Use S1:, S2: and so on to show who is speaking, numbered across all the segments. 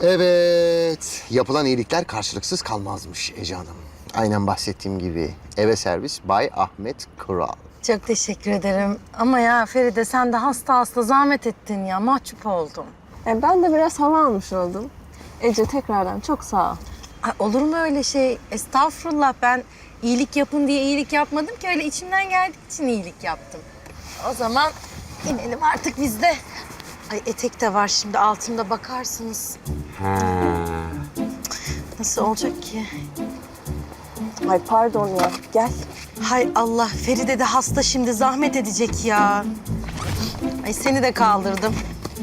S1: Evet, yapılan iyilikler karşılıksız kalmazmış Ece Hanım. Aynen bahsettiğim gibi eve servis Bay Ahmet Kural.
S2: Çok teşekkür ederim. Ama ya Feride sen de hasta zahmet ettin ya. Mahcup oldum.
S3: Ben de biraz hava almış oldum. Ece tekrardan çok sağ ol.
S2: Ay, olur mu öyle şey? Estağfurullah, ben iyilik yapın diye iyilik yapmadım ki. Öyle içimden geldiği için iyilik yaptım. O zaman inelim artık biz de. Ay etek de var şimdi altımda, bakarsınız. Nasıl olacak ki?
S3: Ay pardon ya, gel.
S2: Hay Allah, Feride de hasta şimdi, zahmet edecek ya. Ay seni de kaldırdım.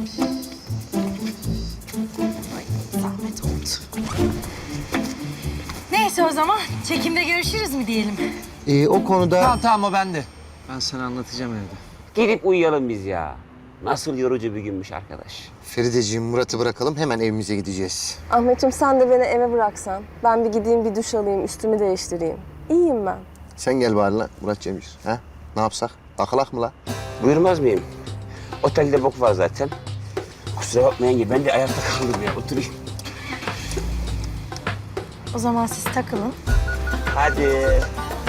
S2: Ay zahmet oldu. Neyse o zaman çekimde görüşürüz mü diyelim?
S1: O konuda...
S4: Tamam o bende. Ben sana anlatacağım evde.
S5: Gidip uyuyalım biz ya. Nasıl yorucu bir günmüş arkadaş.
S1: Ferideciğim, Murat'ı bırakalım, hemen evimize gideceğiz.
S3: Ahmetciğim sen de beni eve bıraksan. Ben bir gideyim bir duş alayım, üstümü değiştireyim. İyiyim ben.
S1: Sen gel bari lan Murat Cemil. Ha? Ne yapsak? Takılak mı la?
S5: Buyurmaz mıyım? Otelde bok var zaten. Kusura bakmayın ki ben de ayakta kaldım ya. Oturayım.
S2: O zaman siz takılın.
S5: Hadi.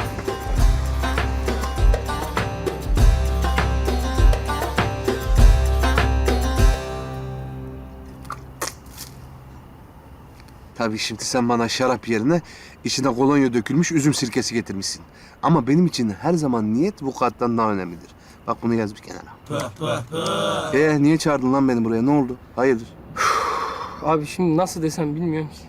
S6: Tabii şimdi sen bana şarap yerine içine kolonya dökülmüş üzüm sirkesi getirmişsin. Ama benim için her zaman niyet vukuattan daha önemlidir. Bak bunu yaz bir kenara. Niye çağırdın lan beni buraya? Ne oldu? Hayırdır?
S4: Abi şimdi nasıl desem bilmiyorum ki.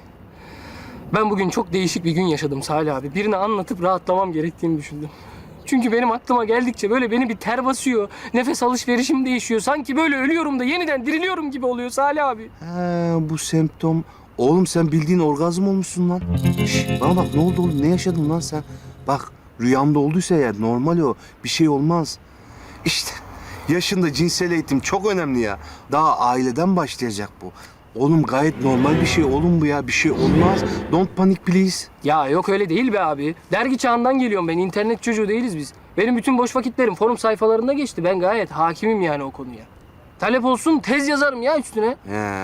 S4: Ben bugün çok değişik bir gün yaşadım Salih abi. Birine anlatıp rahatlamam gerektiğini düşündüm. Çünkü benim aklıma geldikçe böyle beni bir ter basıyor. Nefes alışverişim değişiyor. Sanki böyle ölüyorum da yeniden diriliyorum gibi oluyor Salih abi.
S6: Bu semptom... Oğlum sen bildiğin orgazm olmuşsun lan. Şş, bana bak, ne oldu oğlum? Ne yaşadın lan sen? Bak rüyamda olduysa eğer normal o. Bir şey olmaz. İşte yaşında cinsel eğitim çok önemli ya. Daha aileden başlayacak bu. Oğlum gayet normal bir şey oğlum bu ya. Bir şey olmaz. Don't panic please.
S4: Ya yok öyle değil be abi. Dergi çağından geliyorum ben. İnternet çocuğu değiliz biz. Benim bütün boş vakitlerim forum sayfalarında geçti. Ben gayet hakimim yani o konuya. Talep olsun tez yazarım ya üstüne.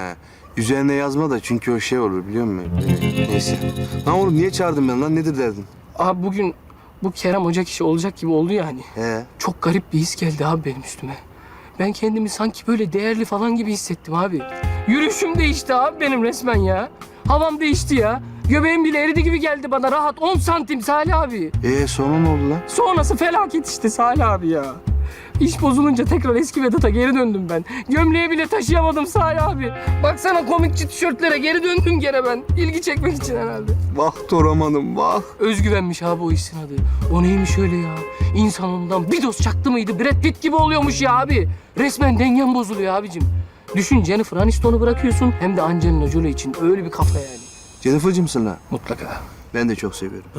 S6: Üzerine yazma da çünkü o şey olur biliyor musun? Neyse. Lan oğlum niye çağırdın beni lan? Nedir derdin?
S4: Abi bugün bu Kerem Ocak işi olacak gibi oldu yani. Çok garip bir his geldi abi benim üstüme. Ben kendimi sanki böyle değerli falan gibi hissettim abi. Yürüyüşüm değişti abi benim resmen ya. Havam değişti ya. Göbeğim bile eridi gibi geldi bana. Rahat 10 santim Salih abi.
S6: Sonra ne oldu lan?
S4: Sonrası felaket işte Salih abi ya. İş bozulunca tekrar eski Vedat'a geri döndüm ben. Gömleği bile taşıyamadım Salih abi. Baksana komikçi tişörtlere geri döndüm gene ben. İlgi çekmek için herhalde.
S6: Vah Toraman'ım vah.
S4: Özgüvenmiş abi o işin adı. O neymiş öyle ya? İnsan ondan bir doz çaktı mıydı Brad Pitt gibi oluyormuş ya abi. Resmen dengen bozuluyor abicim. Düşün Jennifer Aniston'u bırakıyorsun hem de Angelina Jolie için öyle bir kafa yani.
S6: Jennifer'cımsın lan.
S4: Mutlaka.
S6: Ben de çok seviyorum.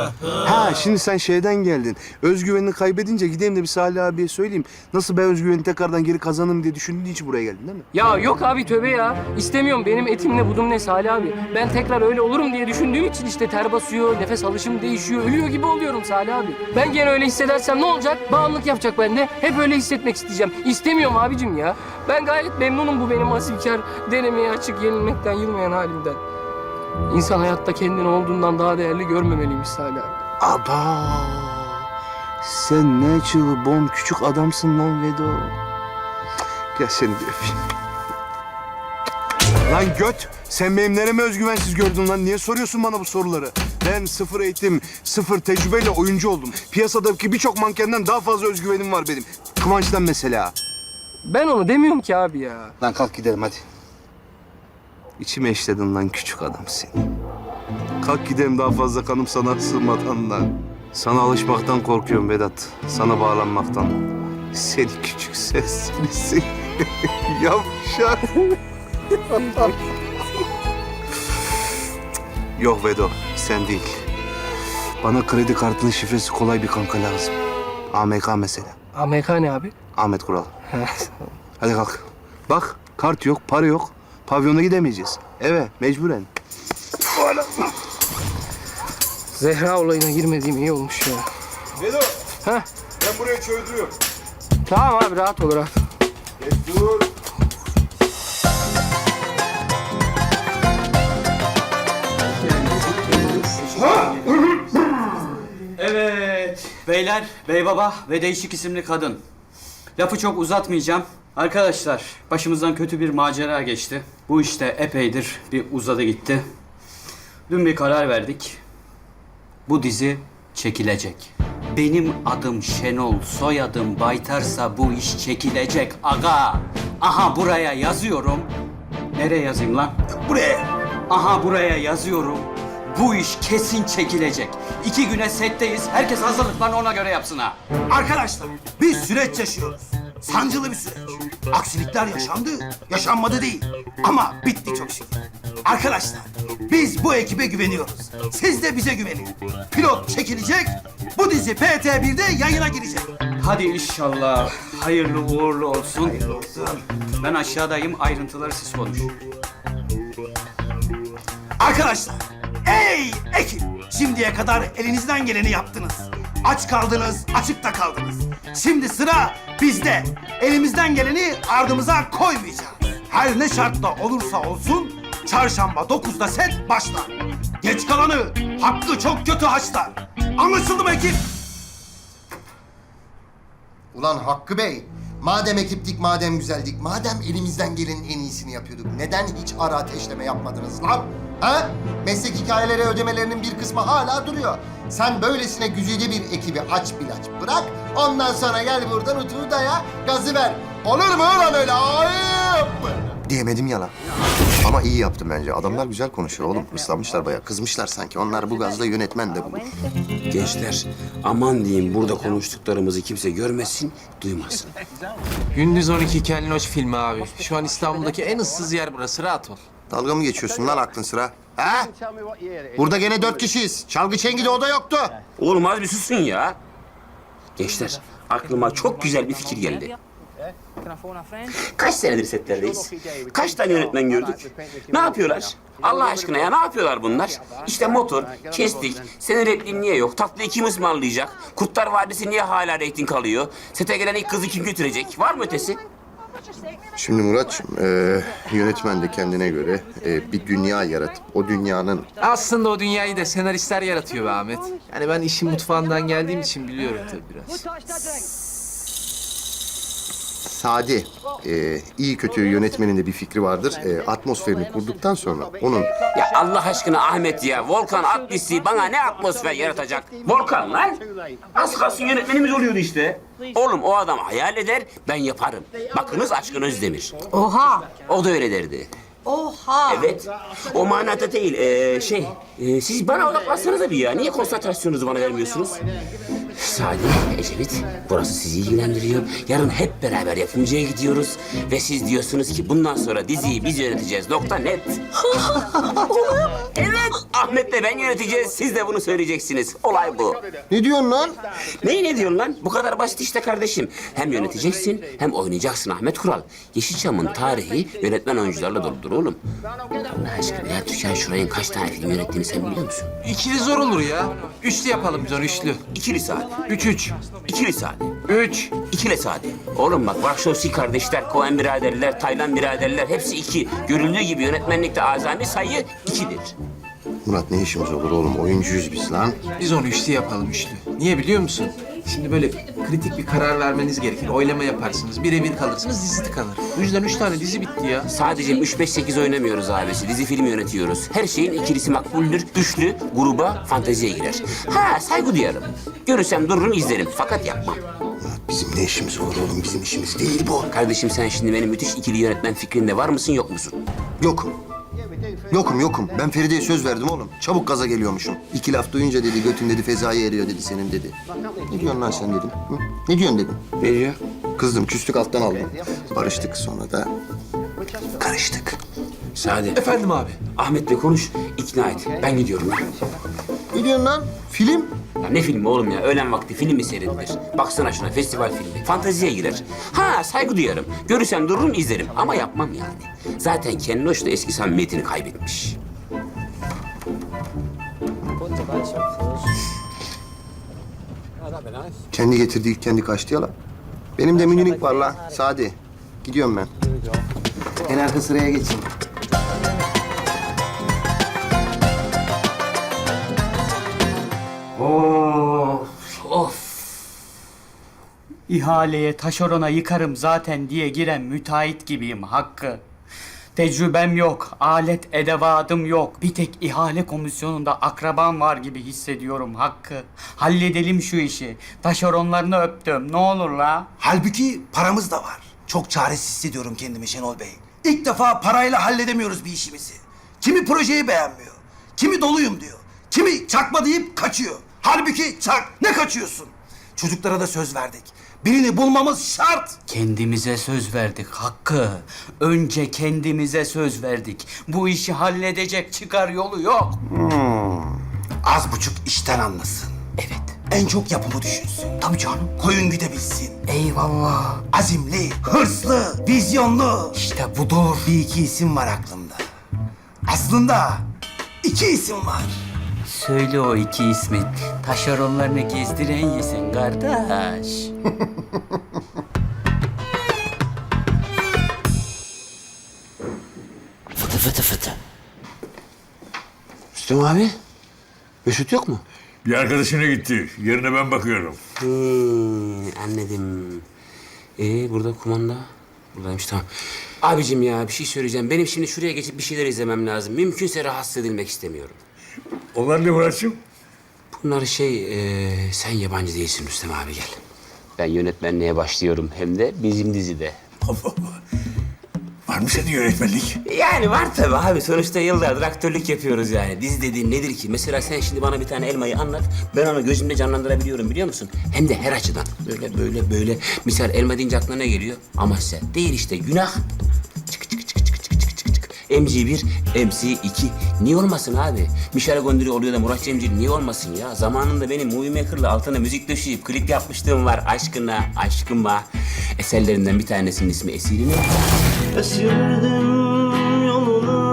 S6: Şimdi sen şeyden geldin. Özgüvenini kaybedince gideyim de bir Salih abiye söyleyeyim. Nasıl ben özgüveni tekrardan geri kazanırım diye düşündüğün için buraya geldin değil mi?
S4: Ya yok abi tövbe ya. İstemiyorum benim etim ne budum ne Salih abi. Ben tekrar öyle olurum diye düşündüğüm için işte ter basıyor, nefes alışım değişiyor, ölüyor gibi oluyorum Salih abi. Ben gene öyle hissedersem ne olacak? Bağımlılık yapacak bende. Hep öyle hissetmek isteyeceğim. İstemiyorum abicim ya. Ben gayet memnunum bu benim asilkar, denemeye açık, yenilmekten yılmayan halimden. İnsan hayatta kendini olduğundan daha değerli görmemeliymiş Salih abi.
S6: Aba! Sen ne çılbon küçük adamsın lan Vedo. Gel seni de öpeyim. Lan göt! Sen benim nereme özgüvensiz gördün lan? Niye soruyorsun bana bu soruları? Ben sıfır eğitim, sıfır tecrübeyle oyuncu oldum. Piyasadaki birçok mankenden daha fazla özgüvenim var benim. Kıvanç'tan mesela.
S4: Ben onu demiyorum ki abi ya.
S6: Lan kalk gidelim hadi. İçime işledin lan küçük adam seni. Kalk gidelim daha fazla kanım sana sığmadan lan. Sana alışmaktan korkuyorum Vedat. Sana bağlanmaktan. Seni küçük sesli yavşak. Yok Vedo, sen değil. Bana kredi kartının şifresi kolay bir kanka lazım. AMK mesela.
S4: AMK ne abi?
S6: Ahmet Kural. Hadi kalk. Bak, kart yok, para yok. Pavyona gidemeyeceğiz. Eve, mecburen.
S4: Zehra olayına girmediğim iyi olmuş ya.
S6: Vedo,
S4: Heh.
S6: ben buraya çözdürüyorum.
S4: Tamam abi rahat ol rahat.
S6: Dur.
S7: Beyler, bey baba ve değişik isimli kadın. Lafı çok uzatmayacağım. Arkadaşlar, başımızdan kötü bir macera geçti. Bu işte epeydir bir uzadı gitti. Dün bir karar verdik. Bu dizi çekilecek. Benim adım Şenol, soyadım Baytarsa bu iş çekilecek aga. Aha buraya yazıyorum. Nereye yazayım lan? Buraya. Aha buraya yazıyorum. Bu iş kesin çekilecek. 2 güne setteyiz. Herkes hazırlıklarını ona göre yapsın ha.
S8: Arkadaşlar bir süreç yaşıyoruz. Sancılı bir süreç. Aksilikler yaşandı, yaşanmadı değil. Ama bitti çok şükür. Arkadaşlar biz bu ekibe güveniyoruz. Siz de bize güvenin. Pilot çekilecek, bu dizi PT1'de yayına girecek.
S7: Hadi inşallah. Hayırlı uğurlu olsun.
S8: Hayırlı olsun.
S7: Ben aşağıdayım. Ayrıntıları siz konuşun.
S8: Arkadaşlar, ey ekip! Şimdiye kadar elinizden geleni yaptınız. Aç kaldınız, açıkta kaldınız. Şimdi sıra bizde. Elimizden geleni ardımıza koymayacağız. Her ne şartla olursa olsun, çarşamba 9'da set başlar. Geç kalanı hakkı çok kötü haşlar. Anlaşıldı mı ekip?
S9: Ulan Hakkı Bey, madem ekiptik, madem güzeldik, madem elimizden gelenin en iyisini yapıyorduk, neden hiç ara ateşleme yapmadınız lan? Ha? Meslek hikayeleri ödemelerinin bir kısmı hala duruyor. Sen böylesine güzide bir ekibi aç bilaç bırak, ondan sonra gel buradan otur daya, gazı ver. Olur mu ulan öyle? Ayıp!
S1: Diyemedim ya lan. Ama iyi yaptım bence. Adamlar güzel konuşuyor oğlum. Islanmışlar bayağı. Kızmışlar sanki. Onlar bu gazla yönetmen de bulur.
S5: Gençler aman diyeyim burada konuştuklarımızı kimse görmesin, duymasın.
S10: Gündüz 12 Kelloş filmi abi. Şu an İstanbul'daki en ıssız yer burası. Rahat ol.
S1: Dalga mı geçiyorsun lan aklın sıra? Ha? Burada gene 4 kişiyiz. Çalgı çengi de o da yoktu.
S5: Oğlum az bir susun ya. Gençler aklıma çok güzel bir fikir geldi. Kaç senedir setlerdeyiz? Kaç tane yönetmen gördük? Ne yapıyorlar? Allah aşkına ya ne yapıyorlar bunlar? İşte motor, kestik, senin repliğin niye yok? Tatlıyı kim ısmarlayacak? Kurtlar Vadisi niye hala reyting alıyor? Sete gelen ilk kızı kim götürecek? Var mı ötesi?
S1: Şimdi Muratçım, yönetmen de kendine göre bir dünya yaratıp o dünyanın...
S10: Aslında o dünyayı da senaristler yaratıyor be Ahmet. Yani ben işin mutfağından geldiğim için biliyorum tabii biraz.
S1: Sade, iyi kötü yönetmenin de bir fikri vardır. Atmosferini kurduktan sonra onun...
S5: Ya Allah aşkına Ahmet ya, Volkan Atlis'i bana ne atmosfer yaratacak? Volkan lan! Az kalsın yönetmenimiz oluyordu işte. Oğlum o adam hayal eder, ben yaparım. Bakınız Aşkın Özdemir.
S2: Oha!
S5: O da öyle derdi.
S2: Oha!
S5: Evet, o manada değil. Siz bana odaklansanıza bir ya. Niye konsantrasyonunuzu bana vermiyorsunuz? Sadi, Ecevit, burası sizi ilgilendiriyor. Yarın hep beraber yapımcıya gidiyoruz. Ve siz diyorsunuz ki bundan sonra diziyi biz yöneteceğiz. Nokta net. Evet, Ahmet'le ben yöneteceğiz. Siz de bunu söyleyeceksiniz. Olay bu.
S1: Ne diyorsun lan?
S5: Neyi ne diyorsun lan? Bu kadar basit işte kardeşim. Hem yöneteceksin hem oynayacaksın Ahmet Kural. Yeşilçam'ın tarihi yönetmen oyuncularla doludur oğlum. Allah aşkına ya Türkan Şuray'ın kaç tane film yönettiğini sen biliyor musun?
S10: İkili zor olur ya. Üçlü yapalım biz onu, üçlü.
S5: İkili Sade.
S10: 3-3.
S5: İkili Sade.
S10: 3.
S5: İkili Sade. Oğlum bak Varşovski kardeşler, Coen biraderler, Taylan biraderler hepsi 2. Görüldüğü gibi yönetmenlikte azami sayı 2'dir.
S1: Murat ne işimiz olur oğlum? Oyuncuyuz biz lan.
S10: Biz onu üçlü yapalım, üçlü. Niye biliyor musun? Şimdi böyle kritik bir karar vermeniz gerekir. Oylama yaparsınız, birebir kalırsınız, dizi tıkanır. Bu yüzden 3 tane dizi bitti ya.
S5: Sadece 3-5-8 oynamıyoruz abisi. Dizi film yönetiyoruz. Her şeyin ikilisi makbuldür. Üçlü gruba fanteziye girer. Ha saygı duyarım. Görürsem dururum izlerim. Fakat yapmam.
S1: Murat bizim ne işimiz olur oğlum? Bizim işimiz değil bu.
S5: Kardeşim sen şimdi benim müthiş ikili yönetmen fikrinde var mısın yok musun?
S1: Yokum. Yokum. Ben Feride'ye söz verdim oğlum. Çabuk gaza geliyormuşum. 2 laf duyunca dedi, götün dedi, fezaya eriyor dedi senin dedi. Ne diyorsun lan sen dedim. Hı? Ne diyorsun dedim.
S5: Ne diyor?
S1: Kızdım, küstük alttan aldım. Barıştık sonra da karıştık.
S5: Sade.
S10: Efendim abi.
S5: Ahmet'le konuş, ikna et. Ben gidiyorum lan.
S1: Ne diyorsun lan? Film?
S5: Ya ne filmi oğlum ya? Öğlen vakti film mi seyredilir? Baksana şuna, festival filmi. Fanteziye girer. Ha saygı duyarım. Görürsem dururum izlerim ama yapmam yani. Zaten Kenloş da eski samimiyetini kaybetmiş.
S1: Kendi getirdi, kendi kaçtı ya lan. Benim de minilik var lan. Sadi. Gidiyorum ben. En arka sıraya geçeyim.
S5: Of, of.
S7: İhaleye taşerona yıkarım zaten diye giren müteahhit gibiyim Hakkı. Tecrübem yok, alet edevadım yok. Bir tek ihale komisyonunda akrabam var gibi hissediyorum Hakkı. Halledelim şu işi. Taşeronlarını öptüm. Ne olur la?
S8: Halbuki paramız da var. Çok çaresiz hissediyorum kendimi Şenol Bey. İlk defa parayla halledemiyoruz bir işimizi. Kimi projeyi beğenmiyor, kimi doluyum diyor, kimi çakma deyip kaçıyor. Halbuki çak, ne kaçıyorsun? Çocuklara da söz verdik. Birini bulmamız şart.
S7: Kendimize söz verdik Hakkı. Önce kendimize söz verdik. Bu işi halledecek çıkar yolu yok.
S8: Az buçuk işten anlasın.
S7: Evet.
S8: En çok yapımı düşünsün.
S7: Tabii canım.
S8: Koyun güdebilsin.
S7: Eyvallah.
S8: Azimli, hırslı, vizyonlu.
S7: İşte budur.
S8: Bir iki isim var aklımda. Aslında 2 isim var.
S7: Söyle o 2 ismi. Taşeronlarını gezdiren yesin kardeş.
S5: Fıtı fıtı fıtı.
S10: Rüstem abi, Mesut yok mu?
S11: Bir arkadaşına gitti. Yerine ben bakıyorum.
S5: Anladım. Burada kumanda. Buradaymış, tamam. Abicim ya bir şey söyleyeceğim. Benim şimdi şuraya geçip bir şeyler izlemem lazım. Mümkünse rahatsız edilmek istemiyorum.
S11: Onlar ne Murat'cığım?
S5: Bunlar sen yabancı değilsin Rüstem abi, gel. Ben yönetmenliğe başlıyorum, hem de bizim dizide.
S11: Allah Allah. Var mı senin yönetmenlik?
S5: Yani var tabii abi. Sonuçta yıllardır aktörlük yapıyoruz yani. Dizi dediğin nedir ki? Mesela sen şimdi bana bir tane elmayı anlat. Ben onu gözümde canlandırabiliyorum, biliyor musun? Hem de her açıdan. Böyle. Misal elma deyince aklına ne geliyor? Amasya. Değil işte, günah. Çık. MC1, MC2. Niye olmasın abi? Michel Gondry oluyor da Murat Cemcir niye olmasın ya? Zamanında benim Movie Maker'la altına müzik döşeyip klip yapmışlığım var. Aşkıma. Eserlerinden bir tanesinin ismi Esir'in.
S12: Esirdim yoluna,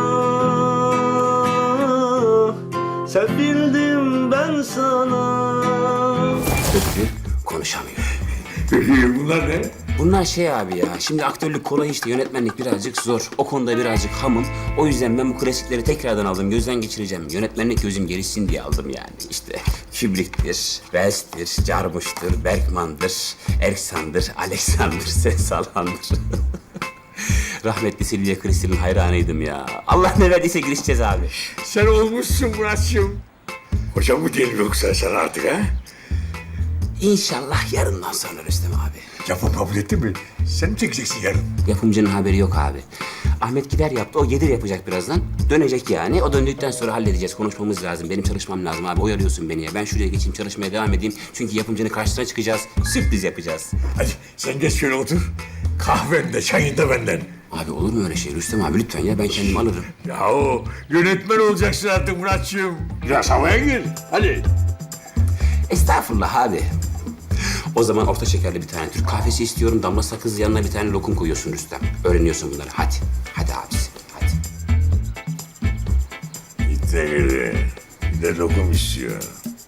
S12: sevildim ben sana.
S5: Konuşamıyor.
S11: Bunlar ne?
S5: Bunlar abi ya, şimdi aktörlük kolay işte, yönetmenlik birazcık zor. O konuda birazcık hamım. O yüzden ben bu klasikleri tekrardan aldım, gözden geçireceğim. Yönetmenlik gözüm gelişsin diye aldım yani. İşte Kubrick'tir, Wells'tir, Jarmusch'tur, Bergman'dır, Erksan'dır, Alexander Sensalan'dır. Rahmetli Silvia Kristel'in hayranıydım ya. Allah ne verdiyse girişeceğiz abi.
S11: Sen olmuşsun Murat'cığım. Hocam mı diyelim yoksa sen artık ha?
S5: İnşallah yarından sonra Rüstem abi.
S11: Yapım kabul etti mi? Sen mi çekeceksin yarın?
S5: Yapımcının haberi yok abi. Ahmet gider yaptı, o gelir yapacak birazdan. Dönecek yani. O döndükten sonra halledeceğiz, konuşmamız lazım. Benim çalışmam lazım abi, oyalıyorsun beni ya. Ben şuraya geçeyim, çalışmaya devam edeyim. Çünkü yapımcının karşısına çıkacağız, sürpriz yapacağız.
S11: Hadi sen geç şöyle otur. Kahven de çayın da benden.
S5: Abi olur mu öyle şey Rüstem abi, lütfen ya, ben kendim alırım.
S11: Yahu yönetmen olacaksın artık Murat'cığım. Biraz havaya gir. Hadi.
S5: Estağfurullah abi. O zaman orta şekerli bir tane Türk kahvesi istiyorum. Damla sakız, yanına bir tane lokum koyuyorsun Rüstem. Öğreniyorsun bunları. Hadi abisi. Hadi.
S11: İtte gidi. Bir de lokum istiyor.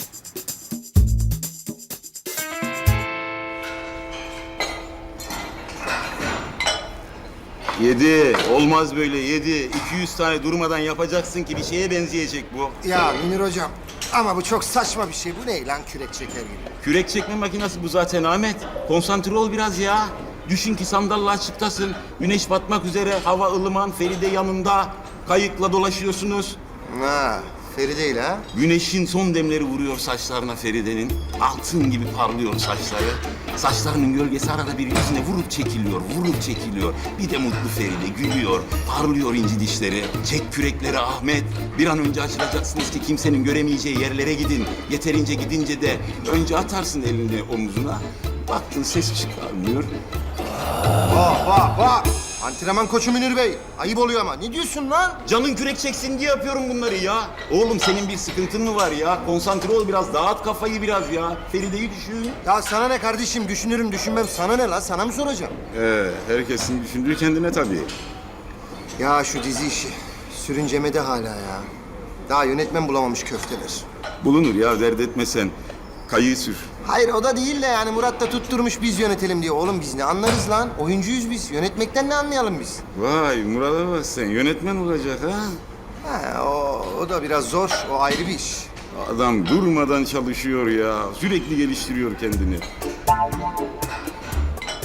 S13: Yedi. Olmaz böyle, 7. 200 tane durmadan yapacaksın ki bir şeye benzeyecek bu.
S9: Ya Münir hocam ama bu çok saçma bir şey. Bu ne lan, kürek çeker gibi?
S13: Kürek çekme makinesi bu zaten Ahmet. Konsantre ol biraz ya. Düşün ki sandalla açıktasın. Güneş batmak üzere, hava ılıman, Feride yanında. Kayıkla dolaşıyorsunuz.
S9: Ha, Feride ile ha?
S13: Güneşin son demleri vuruyor saçlarına Feride'nin. Altın gibi parlıyor saçları. Saçlarının gölgesi arada bir yüzüne vurup çekiliyor. Bir de mutlu Feride gülüyor, parlıyor inci dişleri. Çek kürekleri Ahmet. Bir an önce açılacaksınız ki kimsenin göremeyeceği yerlere gidin. Yeterince gidince de önce atarsın elini omuzuna. Baktın ses çıkarmıyor.
S9: Vah! Antrenman koçu Münir Bey. Ayıp oluyor ama. Ne diyorsun lan?
S13: Canın kürek çeksin diye yapıyorum bunları ya. Oğlum senin bir sıkıntın mı var ya? Konsantre ol biraz, dağıt kafayı biraz ya. Feride'yi düşün.
S9: Ya sana ne kardeşim? Düşünürüm düşünmem. Sana ne lan? Sana mı soracağım?
S13: Herkesin düşündüğü kendine tabii.
S9: Ya şu dizi işi. Sürüncemede hala ya. Daha yönetmen bulamamış köfteler.
S13: Bulunur ya, dert etme sen. Kayığı sür.
S9: Hayır o da değil de yani Murat da tutturmuş biz yönetelim diye. Oğlum biz ne anlarız lan? Oyuncuyuz biz. Yönetmekten ne anlayalım biz?
S13: Vay Murat'a bak sen, yönetmen olacak ha.
S9: Ha, o da biraz zor. O ayrı bir iş.
S13: Adam durmadan çalışıyor ya. Sürekli geliştiriyor kendini.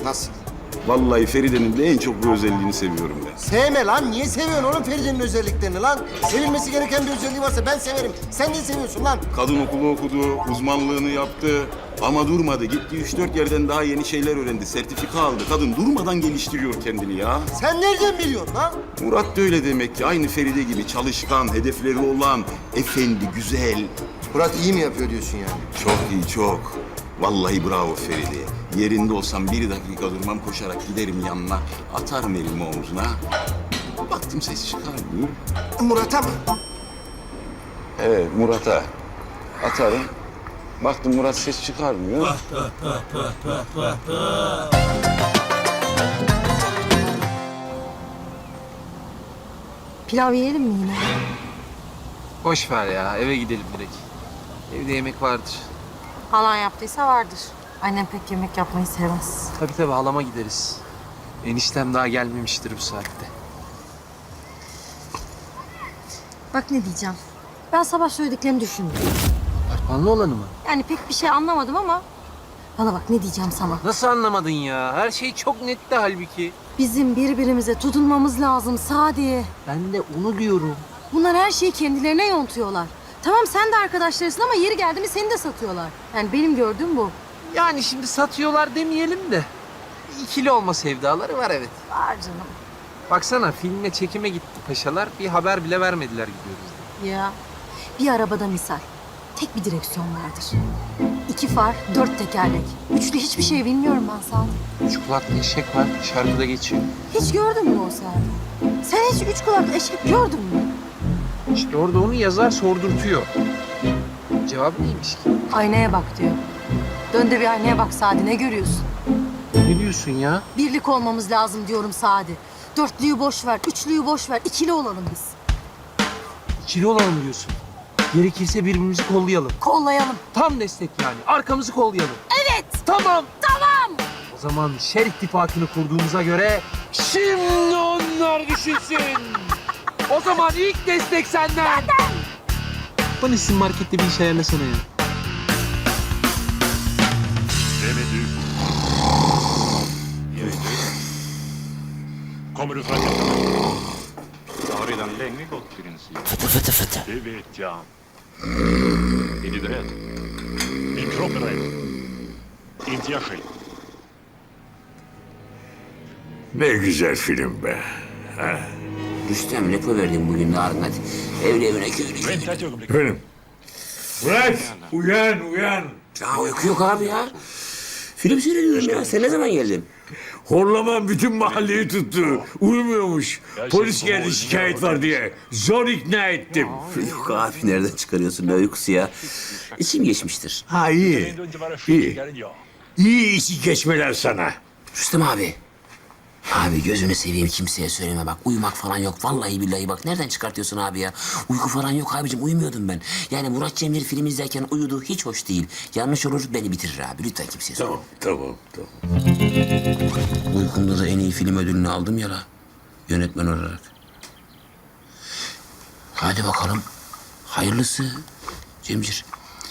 S1: Nasıl?
S13: Vallahi Feride'nin de en çok bu özelliğini seviyorum ben.
S1: Sevme lan. Niye seviyorsun oğlum Feride'nin özelliklerini lan? Sevilmesi gereken bir özelliği varsa ben severim. Sen de seviyorsun lan.
S13: Kadın okulu okudu, uzmanlığını yaptı. Ama durmadı. Gitti 3-4 yerden daha yeni şeyler öğrendi. Sertifika aldı. Kadın durmadan geliştiriyor kendini ya.
S1: Sen nereden biliyorsun lan?
S13: Murat da öyle demek ki. Aynı Feride gibi çalışkan, hedefleri olan, efendi, güzel.
S1: Murat iyi mi yapıyor diyorsun yani?
S13: Çok iyi, çok. Vallahi bravo Feride. Yerinde olsam 1 dakika durmam, koşarak giderim yanına. Atarım elimi omzuna. Baktım ses çıkarmıyor.
S1: Murat'a mı?
S13: Evet, Murat'a atarım. Baktım Murat ses çıkarmıyor.
S2: Pilav yiyelim mi yine?
S10: Boş ver ya, eve gidelim direkt. Evde yemek vardır.
S2: Halan yaptıysa vardır. Annem pek yemek yapmayı sevmez.
S10: Tabii halama gideriz. Eniştem daha gelmemiştir bu saatte.
S2: Bak ne diyeceğim. Ben sabah söylediklerini düşündüm.
S10: Arpanlı olanı mı?
S2: Yani pek bir şey anlamadım ama... Bana bak ne diyeceğim sana.
S10: Nasıl anlamadın ya? Her şey çok netti halbuki.
S2: Bizim birbirimize tutunmamız lazım Sadi.
S10: Ben de onu diyorum.
S2: Bunlar her şeyi kendilerine yontuyorlar. Tamam sen de arkadaşlarısın ama yeri geldi mi seni de satıyorlar. Yani benim gördüğüm bu.
S10: Yani şimdi satıyorlar demeyelim de. İkili olma sevdaları var evet.
S2: Var canım.
S10: Baksana filmle çekime gitti paşalar. Bir haber bile vermediler gidiyoruz diye.
S2: Ya bir arabada misal. Tek bir direksiyon vardır. 2 far, 4 tekerlek. Üçlü hiçbir şey bilmiyorum ben Sadi.
S10: 3 kulaklı eşek var. Şarkıda geçiyor.
S2: Hiç gördün mü o Sadi? Sen hiç 3 kulaklı eşek gördün mü?
S10: İşte orada onu yazar sordurtuyor. Cevabı neymiş ki?
S2: Aynaya bak diyor. Dön de bir aynaya bak Sadi ne görüyorsun?
S10: Ne diyorsun ya?
S2: Birlik olmamız lazım diyorum Sadi. Dörtlüyü boş ver, üçlüyü boş ver. İkili olalım biz.
S10: İkili olalım diyorsun. Gerekirse birbirimizi kollayalım.
S2: Kollayalım.
S10: Tam destek yani. Arkamızı kollayalım.
S2: Evet.
S10: Tamam.
S2: Tamam.
S10: O zaman şer ittifakını kurduğumuza göre şimdi onlar düşünsün. O zaman ilk destek senden. Bana sizin markette bir iş ayarlasana ya.
S11: Kommer du från Jag har redan länge gått princip. Det vet jag. Är du beredd? Min kropp är rädd. Inte jag själv.
S13: Ne güzel film be. Rüstem repo verdim bugün Narın hadi. Evine köylü.
S11: Vänta ett ögonblick.
S13: Benim.
S11: Murat! Uyan!
S5: Ya uyku yok abi ya. Film seyrediyorum ya. Sen ne zaman geldin?
S11: Horlaman bütün mahalleyi tuttu. Uyumuyormuş. Polis geldi şikayet var diye. Zor ikna ettim.
S5: Yok abi nereden çıkarıyorsun ne uykusu ya? İçim geçmiştir.
S11: Ha iyi. İyi. İyi içi geçmeler sana.
S5: Rüstem abi. Abi gözünü seveyim kimseye söyleme bak. Uyumak falan yok. Vallahi billahi bak. Nereden çıkartıyorsun abi ya? Uyku falan yok abicim. Uyumuyordum ben. Yani Murat Cemil film izlerken uyudu. Hiç hoş değil. Yanlış olur beni bitirir abi. Lütfen kimseye söyleme.
S11: Tamam.
S5: Uykumda da en iyi film ödülünü aldım ya la. Yönetmen olarak. Hadi bakalım. Hayırlısı. Cemcir.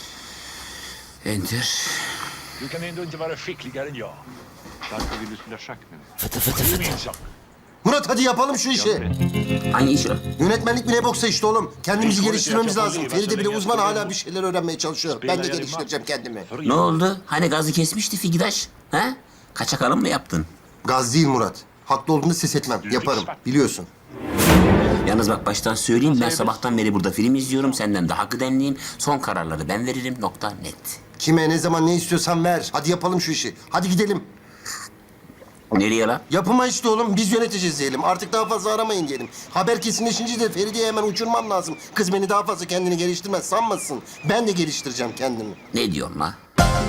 S5: Enter.
S11: Du kan ändå inte vara skickligare än jag. Varför vill du spela schack med mig?
S5: Fıtı fıtı
S11: Det är
S5: fıtı.
S11: min sak.
S1: Murat hadi yapalım şu işi.
S5: Hangi iş o?
S1: Yönetmenlik mi ne boksa işte oğlum. Kendimizi geliştirmemiz lazım. Feride bile uzman hala bir şeyler öğrenmeye çalışıyor. Ben de geliştireceğim kendimi.
S5: Ne oldu? Hani gazı kesmişti Figidaş? Ha? Kaçak alım mı yaptın?
S1: Gaz değil Murat. Haklı olduğunda ses etmem. Yaparım. Biliyorsun.
S5: Yalnız bak baştan söyleyeyim ben sabahtan beri burada film izliyorum. Senden daha kıdemliyim. Son kararları ben veririm. Nokta net.
S1: Kime ne zaman ne istiyorsan ver. Hadi yapalım şu işi. Hadi gidelim.
S5: Nereye la?
S1: Yapıma işte oğlum. Biz yöneteceğiz diyelim. Artık daha fazla aramayın diyelim. Haber kesinleşince de Feride'yi hemen uçurmam lazım. Kız beni daha fazla kendini geliştirmez sanmasın. Ben de geliştireceğim kendimi.
S5: Ne diyorsun la?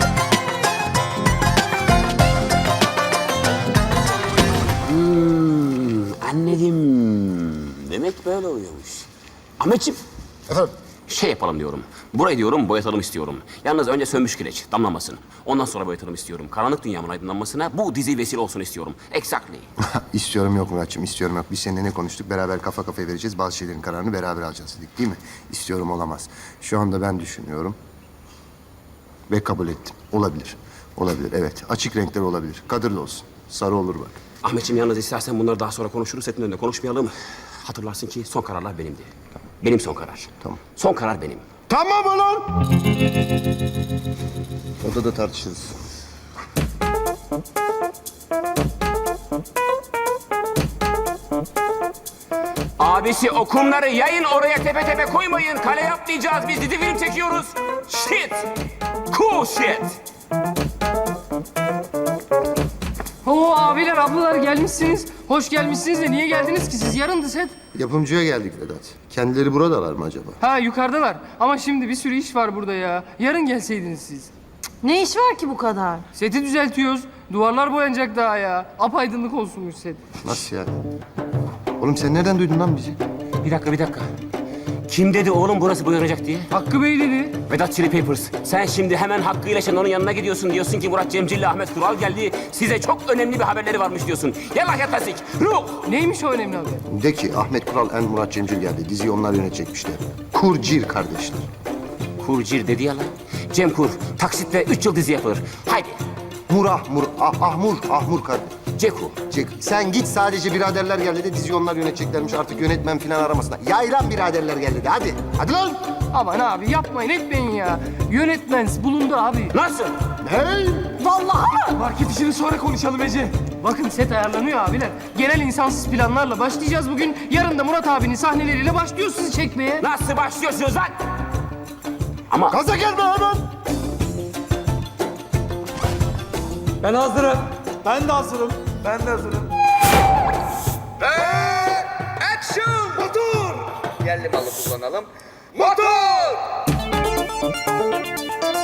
S5: Anladım. Demek böyle oluyormuş. Ahmetciğim.
S1: Efendim?
S5: Şey yapalım diyorum. Burayı diyorum boyatalım istiyorum. Yalnız önce sönmüş kireç damlamasın. Ondan sonra boyatalım istiyorum. Karanlık dünyamın aydınlanmasına bu dizi vesile olsun istiyorum. Exactly.
S1: İstiyorum yok Muratçım, istiyorum yok. Biz seninle ne konuştuk? Beraber kafa kafaya vereceğiz. Bazı şeylerin kararını beraber alacağız dedik değil mi? İstiyorum olamaz. Şu anda ben düşünüyorum. Ve kabul ettim. Olabilir. Olabilir evet. Açık renkler olabilir. Kadırlı olsun. Sarı olur bak.
S5: Ahmetciğim yalnız istersen bunları daha sonra konuşuruz. Setin önünde konuşmayalım. Hatırlarsın ki son kararlar benimdi. Benim son karar.
S1: Tamam.
S5: Son karar benim.
S1: Tamam ulan! Odada tartışırız.
S5: Abisi o kumları yayın oraya tepe tepe koymayın. Kale yapmayacağız. Biz dizi film çekiyoruz. Shit. Cool shit.
S4: Oo abiler, ablalar gelmişsiniz. Hoş gelmişsiniz de niye geldiniz ki siz? Yarındı set.
S1: Yapımcıya geldik Vedat. Kendileri buradalar mı acaba?
S4: Ha yukarıdalar. Ama şimdi bir sürü iş var burada ya. Yarın gelseydiniz siz.
S2: Ne iş var ki bu kadar?
S4: Seti düzeltiyoruz. Duvarlar boyanacak daha ya. Apaydınlık olsunmuş set.
S1: Nasıl yani? Oğlum sen nereden duydun lan bizi?
S5: Bir dakika. Kim dedi oğlum burası boyanacak diye?
S4: Hakkı Bey dedi.
S5: Vedat Chili Papers. Sen şimdi hemen Hakkı'yla Şenol'un yanına gidiyorsun. Diyorsun ki Murat Cemcil ile Ahmet Kural geldi. Size çok önemli bir haberleri varmış diyorsun. Yallah yatasik. Ruh.
S4: Neymiş o önemli haber?
S1: De ki Ahmet Kural and Murat Cemcil geldi. Diziyi onlar yönetecekmişler. Kurcir kardeşler.
S5: Kurcir dedi ya lan. Cem Kur. Taksitle 3 yıl dizi yapılır. Haydi.
S1: Ahmur kardeş.
S5: Ceku.
S1: Sen git sadece biraderler geldi de diziyi onlar yöneteceklermiş. Artık yönetmen falan aramasına. Yaylan biraderler geldi de hadi. Hadi lan.
S4: Aman abi yapmayın etmeyin ya. Yönetmen bulundu abi.
S5: Nasıl?
S1: Hey!
S2: Vallahi mı?
S10: Market işini sonra konuşalım Ece.
S4: Bakın set ayarlanıyor abiler. Genel insansız planlarla başlayacağız bugün. Yarın da Murat abinin sahneleriyle başlıyoruz sizi çekmeye.
S5: Nasıl başlıyorsunuz lan? Ama
S1: Gaza gelme hemen.
S10: Ben hazırım.
S8: Ben de hazırım.
S10: Ben de hazırım.
S8: Action! Motor!
S10: Yerli malı kullanalım. Motor!